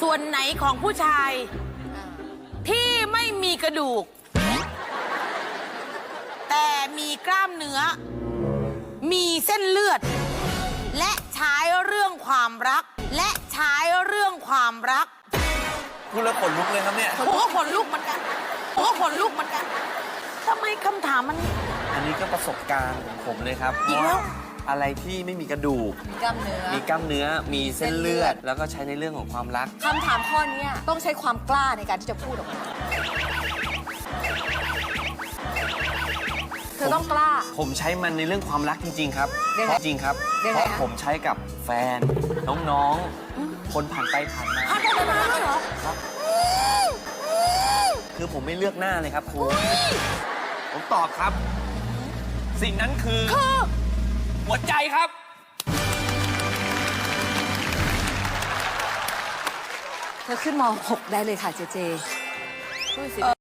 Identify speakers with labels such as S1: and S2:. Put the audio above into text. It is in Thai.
S1: ส่วนไหนของผู้ชายที่ไม่มีกระดูก แต่มีกล้ามเนื้อ มีเส้นเลือด และใช้เรื่องความรัก และใช้เรื่องความรัก
S2: พูดแล้วขนลุกเลยครับเนี่ย
S1: ผมก็ขนลุกเหมือนกันผมก็ขนลุกเหมือนกันทำไมคำถามมัน
S2: อันนี้ก็ประสบการณ์ของผมเลยครับ
S1: อีกแล้ว
S2: อะไรที่ไม่มีกระดูก
S3: มีกล้ามเนื้อ
S2: มีกล้ามเนื้อ มีเส้นเลือด แล้วก็ใช้ในเรื่องของความรัก
S3: คำถามข้อนี้ต้องใช้ความกล้าในการที่จะพูดออกมาเธอต้องกล้า
S2: ผมใช้มันในเรื่องความรักจริง ๆ ครับ
S3: ยังไง
S2: จริงครับ
S3: ยัง
S2: เพ
S3: ไง
S2: ราะ
S3: คะ
S2: ผมใช้กับแฟน น้องๆ คนผ่านไปผ่านมา
S1: ผ่านไปมาแล้วเหรอ
S2: ครับ คือผมไม่เลือกหน้าเลยครับครู ผมตอบครับ สิ่งนั้นคือหัวใจครับ
S3: เธอขึ้นม .6 ได้เลยค่ะเจเจพูดสิ